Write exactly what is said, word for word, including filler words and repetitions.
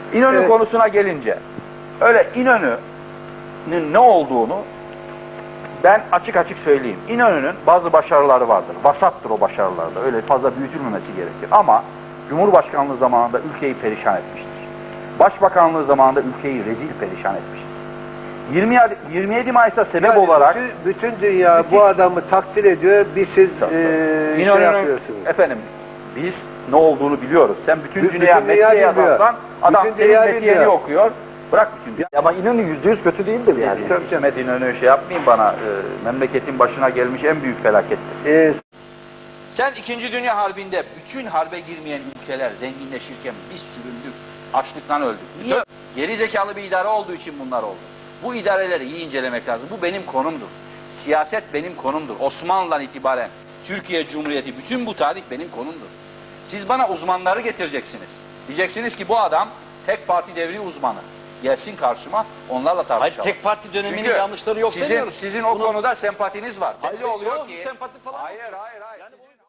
İnönü Evet. konusuna gelince, öyle İnönü'nün ne olduğunu ben açık açık söyleyeyim. İnönü'nün bazı başarıları vardır. Vasattır o başarılarda. Öyle fazla büyütülmemesi gerekir. Ama Cumhurbaşkanlığı zamanında ülkeyi perişan etmiştir. Başbakanlığı zamanında ülkeyi rezil perişan etmiştir. yirmi yedi Mayıs'a sebep Yani olarak bütün, bütün dünya müthiş, bu adamı takdir ediyor. Bir siz e, şey İnönü'nün, yapıyorsunuz. efendim biz ne olduğunu biliyoruz. Sen bütün, Bütün dünya dünya metiye bilmiyor. yazarsan adam Bütün senin dünya metiyeni bilmiyor. okuyor. Bırak bütün dünya. Ama İnönü yüzde yüz kötü değildir yani. Tabii, tabii. İsmet İnönü şey yapmayın bana. E, memleketin başına gelmiş en büyük felakettir. E, Sen İkinci Dünya Harbi'nde bütün harbe girmeyen ülkeler zenginleşirken biz süründük. Açlıktan öldük. Niye? Geri zekalı bir idare olduğu için bunlar oldu. Bu idareleri iyi incelemek lazım. Bu benim konumdur. Siyaset benim konumdur. Osmanlı'dan itibaren Türkiye Cumhuriyeti, bütün bu tarih benim konumdur. Siz bana uzmanları getireceksiniz. Diyeceksiniz ki bu adam tek parti devri uzmanı. Gelsin karşıma, onlarla tartışalım. Hayır, tek parti döneminin Çünkü yanlışları yok sizin, demiyoruz. sizin o Bunu... konuda sempatiniz var. Belli Hayır, oluyor yok, ki... sempati falan. Hayır, hayır, hayır. Yani bu...